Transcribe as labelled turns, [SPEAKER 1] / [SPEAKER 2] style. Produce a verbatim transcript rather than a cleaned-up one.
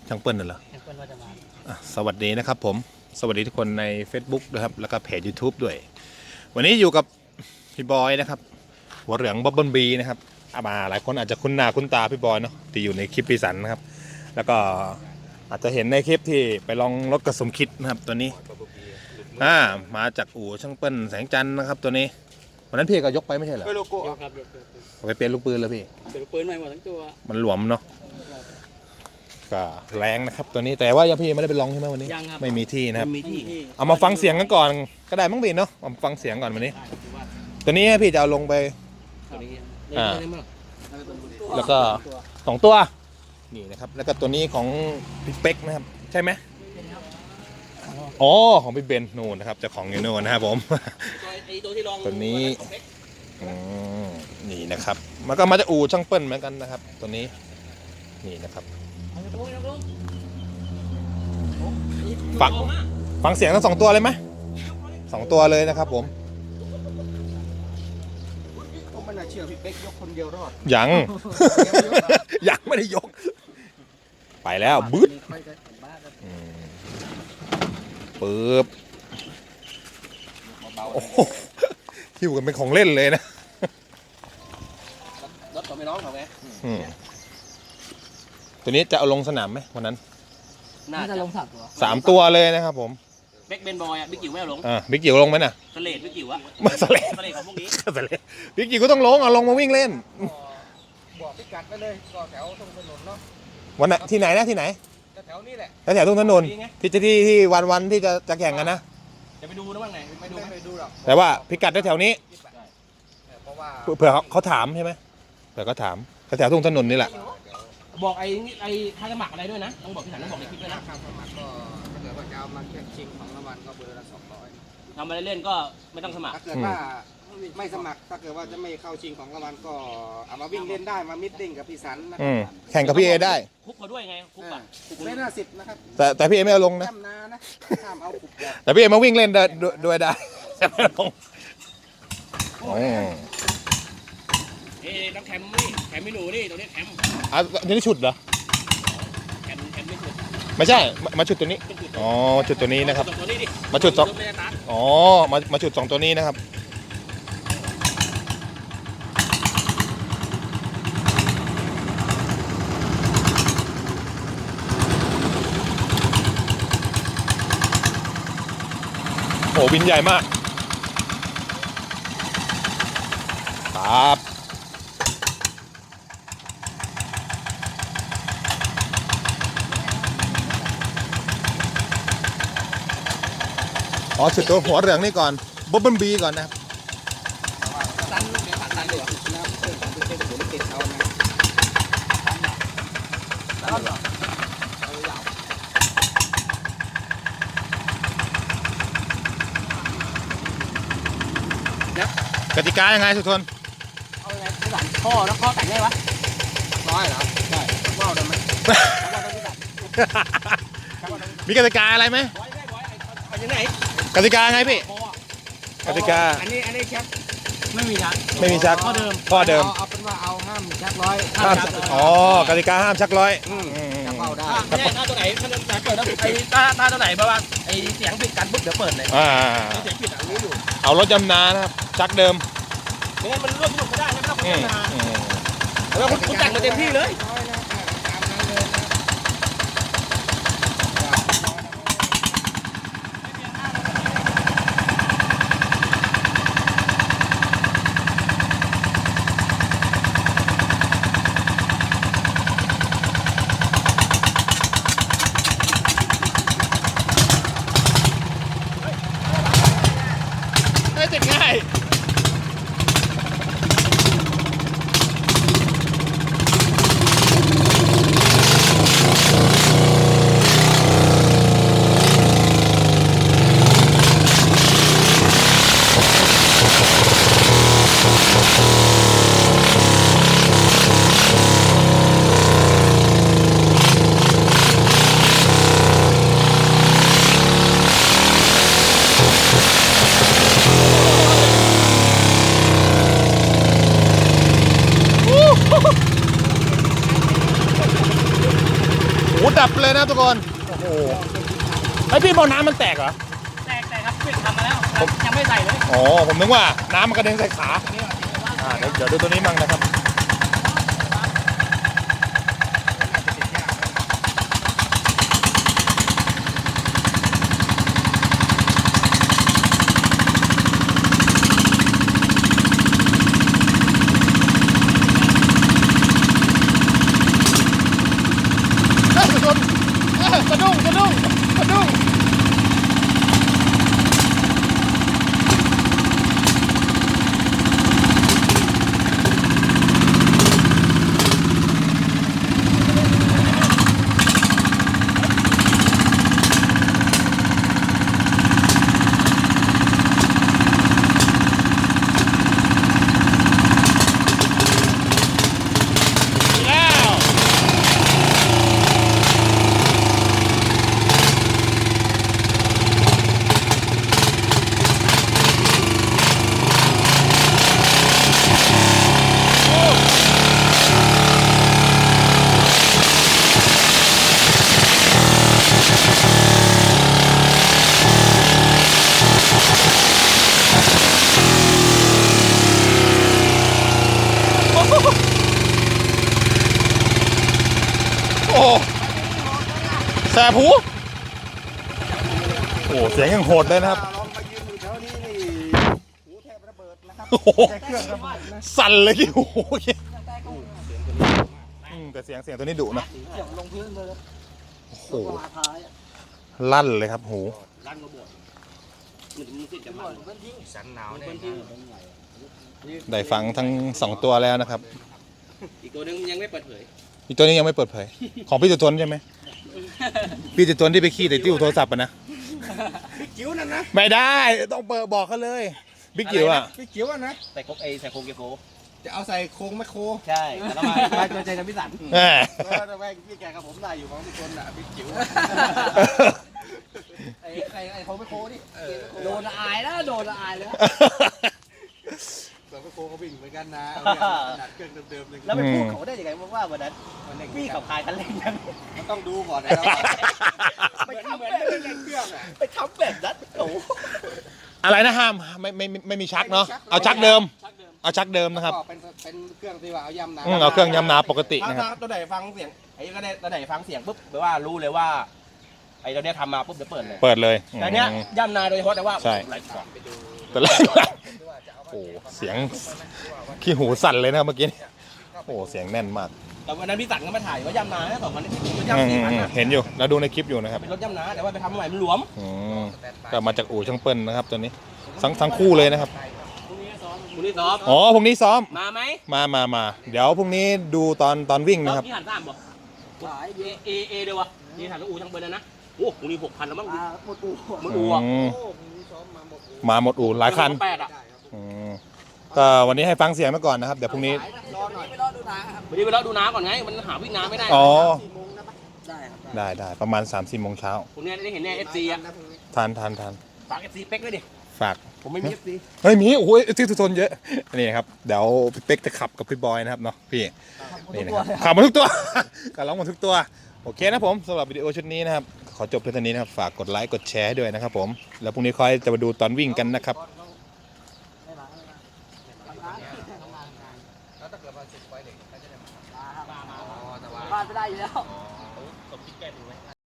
[SPEAKER 1] ช่างเปิ้ลน่ะเหรอ
[SPEAKER 2] ช่างเปิ้ลว่าจะมา
[SPEAKER 1] สวัสดีนะครับผมสวัสดีทุกคนใน Facebook นะครับแล้วก็เพจ YouTube ด้วยวันนี้อยู่กับพี่บอยนะครับหัวเหลืองบ๊อบเบิ้ลบีนะครับมาหลายคนอาจจะคุ้นหน้าคุ้นตาพี่บอยเนาะที่อยู่ในคลิปปีสันนะครับแล้วก็อาจจะเห็นในคลิปที่ไปลองรถกระสมคิดนะครับตัวนี้อ่ามาจากอู่ช่างเปิ้ลแสงจันทร์นะครับตัวนี้วันนั้นพี่ก็ยกไปไม่ใช่เหรอ
[SPEAKER 2] ยกครับยก
[SPEAKER 1] ไปเปลี่ยนลูกปืนแล้วพี่
[SPEAKER 2] เปลี่ยนปืนใหม่หมดทั้งตัว
[SPEAKER 1] มันหลวมเนาะก็แรงนะครับตัวนี้แต่ว่ายังพี่ไม่ได้ไปลองใช่ไหมวันนี้
[SPEAKER 2] ยังครับ
[SPEAKER 1] ไม่มีที่นะครับ
[SPEAKER 2] มีที่
[SPEAKER 1] เอามาฟังเสียงกันก่อนก็ได้มั้งพี่เนาะเอามาฟังเสียงก่อนวันนี้ตัวนี้พี่จะเอาลงไปอ่าแล้วก็สองตัวนี่นะครับแล้วก็ตัวนี้ของพี่เป๊กนะครับใช่ไหมอ๋อของพี่เบนนู่นนะครับเจ้าของยูโน่นะครับผมตัวนี้นี่นะครับมันก็มาจากอู่ช่างเปิ้ลเหมือนกันนะครับตัวนี้นี่นะครับฟังฟังเสียงทั้งสองตัวเลยไหมสองตัวเลยนะครับผม
[SPEAKER 3] ก็ไม่น่าเชื่อพี่เป๊กยกคนเดียวรอด
[SPEAKER 1] ยังยังไม่ได้ยกไปแล้วบึ้ดปึ๊บโอ้โหหิวกันเป็นของเล่นเลยนะ
[SPEAKER 3] รถต่อไม่ร้องเหรอแม่
[SPEAKER 1] ตัวนี้จะเอาลงสนามไหมวันนั้น
[SPEAKER 2] น่าจะลงสามตัว
[SPEAKER 1] สามตัวเลยนะครับผม
[SPEAKER 2] เบ็กเบนบอยอ่ะบิ๊กจิ๋วไม่เอาลง
[SPEAKER 1] อ่าบิ๊กจิ๋วลงไหมน่ะ
[SPEAKER 2] สเลดบิ๊กจิ๋วอะ
[SPEAKER 1] มาสเลด
[SPEAKER 2] สเลดของพวกนี้
[SPEAKER 1] สเลดบิ๊กจิ๋วก็ต้องลงเอาลงมาวิ่งเล่น
[SPEAKER 3] บอกพิกัดไปเลยก็แถวตรงถนนเนาะ
[SPEAKER 1] วันไหนที่ไหนนะที่ไหน
[SPEAKER 3] แถวนี้แหละ
[SPEAKER 1] แถวตรงถนนที่จะที่ที่วันวันที่จะจะแข่งกันนะ
[SPEAKER 2] จะไปดูนะว่าไงไปดู
[SPEAKER 3] ไปดูหรอก
[SPEAKER 1] แต่ว่าพิกัดแถวนี้
[SPEAKER 3] เพราะว่า
[SPEAKER 1] เผื่อเขาถามใช่ไหมเผื่อเขาถามแถวตรงถนนนี่แหละ
[SPEAKER 2] บอกไอ้ไอ้ค่าสมัครอะไรด้วยนะต้องบอกพี่สันต้องบอกในคลิปด้วยนะ
[SPEAKER 3] ค่าสมัครก็ถ้าเกิดว่าจะเอามาแข่งชิงของรางวัลก็เบอร์ละสองร้อย
[SPEAKER 2] ทำอะไรเล่นก็ไม่ต้องสมัคร
[SPEAKER 3] ถ้าเกิดว่าไม่สมัครถ้าเกิดว่าจะไม่เข้าชิงของรางวัลก็เอามาวิ่งเล่นได้มามิทติ้งกับพี่สันนะ
[SPEAKER 1] แข่งกับพี่เอได้
[SPEAKER 2] คุกเขาด้วยไงคุกอ่ะ
[SPEAKER 3] ไม่น่าสิบนะครับ
[SPEAKER 1] แต่แต่พี่เอไม่เอาลงนะ
[SPEAKER 3] ห้ามเอาคุก
[SPEAKER 1] แต่พี่เอมาวิ่งเล่นด้วยได้ไม่ลง
[SPEAKER 2] เอ๊ะต้องแคมนี่แคมไม่หนูนี่ตัวนี้แคม
[SPEAKER 1] อ่ะนี่ชุดเหรอ
[SPEAKER 2] แคมแคมไม่ชุด
[SPEAKER 1] ไม่ใช่มาชุดตัวนี้อ๋อชุดตัวนี้นะครับมาชุดสองอ๋อมามาชุดสองตัวนี้นะครับโอ้บินใหญ่มากครับอ๋อชุดตัวหัวเหลืองนี่ก่อนบ๊อบเบิ้ลบีก่อนนะครับ
[SPEAKER 3] ตันเดี๋ยวตันดีกว่านะครับเพื่อนผมเป็นคนติดเขานะตันเหรอเอายาว
[SPEAKER 1] กติกายังไงสุทน
[SPEAKER 2] เอาไงพี่สันข้อแล้วข้อแต่งได้ปะ
[SPEAKER 3] ร้อยเหรอใช่ว้าวได้ไหม
[SPEAKER 1] มีกติกาอะไรไหม
[SPEAKER 2] เอายังไง
[SPEAKER 1] กติกาไงพี่กติกา
[SPEAKER 3] อันนี้อันนี้ชัก
[SPEAKER 2] ไม่มีชัก
[SPEAKER 1] ไม่มีชัก
[SPEAKER 2] ข้อเดิม
[SPEAKER 1] ข้อเดิม
[SPEAKER 3] เอาเป็นว่าเอาห้ามชักร้อย
[SPEAKER 1] ห้ามอ๋อกติกาห้ามชักร้อย
[SPEAKER 3] ชักเอาได้
[SPEAKER 2] ถ้าถ้าตัวไหนถ้าจะเปิดแล้วไอ้ถ้าถ้าตัวไหนเพราะว่าไอ้เสียงปิดกันปุ๊บเดี๋ยวเปิดเลย
[SPEAKER 1] อ่า
[SPEAKER 2] เสียงปิดอ่ะรู้อยู่
[SPEAKER 1] เอารถจำนานะครับชักเดิม
[SPEAKER 2] ไม่งั้นมันร่วมสนุกไม่ได้ไม่ต้องคนจำนาแล้วคุณแต่งมาเต็มที่เลย
[SPEAKER 1] ติดง่ายดับเลยนะทุกคนโอ้โหไอพี่บอลน้ำมันแตกเหรอ
[SPEAKER 2] แตกแต่ครับเพิ่งทำมาแล้วยังไม่ใส่เลย
[SPEAKER 1] อ๋อผมนึกว่าน้ำมันกระเด็นใส่ขาอ่าเดี๋ยวเดี๋ยวดูตัวนี้มั่งนะครับเอ้ยสะดุ้งเอ้ยสะดุ้งสะดุ้งสะดุ้งโอ้แสบหูโอ้เสียงยังโหดเลยนะครับ
[SPEAKER 3] ลองมายืนอยู่แถวนี้นี่หูแทบระเบิดนะครับ
[SPEAKER 1] โอ้โห
[SPEAKER 3] แต่เครื่องระเบิดนะ
[SPEAKER 1] สั่นเลยกี่โอ้โหอืมแต่เสียงเสียงตัวนี้ดุนะ
[SPEAKER 3] ลงพื้นเลย
[SPEAKER 1] โอ้โห
[SPEAKER 3] มาท้ายอ่ะ
[SPEAKER 1] ลั่นเลยครับหู
[SPEAKER 2] ลั่นระเบิดมันมีสิทธิ์จะมันสันหนาวเนี่ย
[SPEAKER 1] ได้ฟังทั้งสองตัวแล้วนะครับ
[SPEAKER 2] อีกตัวนึงยังไม่เปิดเผย
[SPEAKER 1] อีกตัวนี้ยังไม่เปิดเผยของพี่ตุทนใช่ไหมพี่ตุทนที่ไปขี้แต่ติ้วโทรศัพท์อะนะ
[SPEAKER 3] พี่จิ๋วนั่นนะ
[SPEAKER 1] ไม่ได้ต้องเปิดบอกเขาเลยบิ๊กจิ๋วอ่ะ
[SPEAKER 3] พี่จิ๋วอ่ะนะ
[SPEAKER 2] ใส่โคกเอใส่โคงเกโค
[SPEAKER 3] จะเอาใส่โครงแมคโคร
[SPEAKER 2] ใช่แล้วมามาตัวใจกับพี่สัน
[SPEAKER 1] แหม
[SPEAKER 3] เออแต่แม่งพี่แกกับผมได้อยู่ของทุกคนอ่ะพี่จิ๋ว
[SPEAKER 2] ไอ้ไอ้ไอ้โคงไม่โคดิโดนอายแล้วโดนอายเลย
[SPEAKER 3] แต่แมคโครเขาวิ่งเหมือนกันนะเอาเนี่ยขนาดเครื่องเดิมๆเลย
[SPEAKER 2] แล้วไปพูดเขาได้ยังไงว่าวันนั้นพี่ขับคายคันเร่งยัง
[SPEAKER 3] มันต้องดูก่อนนะครับ
[SPEAKER 2] ไป
[SPEAKER 3] เหมือน
[SPEAKER 2] ทำ
[SPEAKER 3] เหมือน
[SPEAKER 2] แบบ
[SPEAKER 3] ไม่ได้เล่นเครื่องอ่ะ
[SPEAKER 2] ไปทำแบบนั้นโอ้
[SPEAKER 1] อะไรนะห้ามไม่ไม่ไม่ไม่มีชักเนาะเอาชักเดิมเอาชักเดิมนะครับ
[SPEAKER 3] ก็เป็นเป็นเครื่องที่ว่าเอาย่ำน้
[SPEAKER 1] อืมเอาเครื่องยำนาปกติ
[SPEAKER 2] ถ้า
[SPEAKER 1] นะครับ
[SPEAKER 2] ถ้าตัวไหนฟังเสียงไอ้ก็ได้ตัวไหนฟังเสียงปุ๊บแปลว่ารู้เลยว่าไอ้ตัวเนี้ยทำมาปุ๊บจะเปิดเลย
[SPEAKER 1] เปิดเลย
[SPEAKER 2] แต่เนี้ย
[SPEAKER 1] อืม
[SPEAKER 2] ย่ำนาโดยเฉพาะแต่ว่า
[SPEAKER 1] ใช่
[SPEAKER 2] ไหลขวา
[SPEAKER 1] แต่แรกโอ้เสียงขี้หูสั่นเลยนะครับเมื่อกี้โอ้เสียงแน่นมาก
[SPEAKER 2] แต่วันนั้นพี่สันก็มาถ่ายว่าย่ำนาเนี่ยสองพันที่รถ
[SPEAKER 1] อืม
[SPEAKER 2] ย่ำสี่พัน
[SPEAKER 1] อืม
[SPEAKER 2] อะ
[SPEAKER 1] เห็นอยู่เราดูในคลิปอยู่นะครับ
[SPEAKER 2] เป็นรถย่ำนาแต่ว่าไปทำใหม่มันหลวม
[SPEAKER 1] อืมก็มาจากอู่ช่างเปิ้ลนะครับตัวนี้ทั้งทั้งคู่เลยนะครับ
[SPEAKER 2] คุณนี่ซ้อม
[SPEAKER 1] อ๋อพรุ่งนี้ซ้อม
[SPEAKER 2] มาไหม
[SPEAKER 1] มามามาเดี๋ยวพรุ่งนี้ดูตอนตอนวิ่งนะครับ
[SPEAKER 2] พี่หันสามบอกเอเอเอเดียววะนี่หันแล้วอูช่างเบิร์นนะโอ้คุณนี่หกพันแล้วมั้ง
[SPEAKER 3] ำหมดอู่
[SPEAKER 2] มันอูอ่ะ
[SPEAKER 1] อืม
[SPEAKER 3] โอ้มีซ้อมมาหมดอู่
[SPEAKER 1] มาหมดอู่หลายคัน
[SPEAKER 2] แปดอ่ะ
[SPEAKER 3] ได้ครับ
[SPEAKER 1] อืมก็วันนี้ให้ฟังเสียงมาก่อนนะครับเดี๋ยวพรุ่งนี้
[SPEAKER 3] รอหน่อย
[SPEAKER 2] วันนี้ไปรอดูน้ำก่อนไงมันหาวิ่งน้ำไม่ได้
[SPEAKER 1] อ๋อ
[SPEAKER 3] สี่โมงนะปะได้ครับ
[SPEAKER 1] ได้ได้ประมาณ3ามสี่โมงเช้า
[SPEAKER 2] คุณเนี่ยได้เห็นเนี่ยเอฟซีอ่ะ
[SPEAKER 3] นะพรุ่งนี้
[SPEAKER 1] ทานทานทาน
[SPEAKER 2] ฝากเอฟซีเป๊กด้วยดิ
[SPEAKER 1] ฝาก
[SPEAKER 2] ผมไม่มีเอฟซี
[SPEAKER 1] เฮ้ยมีโอ้ยที่ทุกทนเยอะนี่นะครับเดี๋ยวพี่เป๊กจะขับกับพี่บอยนะครับเนาะพี่นี่นะครับขับมาทุกตัว ขับร้องมาทุกตัวโอเคนะผมสำหรับวิดีโอชุดนี้นะครับขอจบเพียงเท่านี้นะครับฝากกดไลค์กดแชร์ให้ด้วยนะครับผมแล้วพรุ่งนี้ค่อยจะมาดูตอนวิ่งกันนะครับ
[SPEAKER 3] แล้วถ้าเกิดว่าสิบไฟเหล็กก็จะได้มา
[SPEAKER 2] บ้านไม่ได้อยู่แล้ว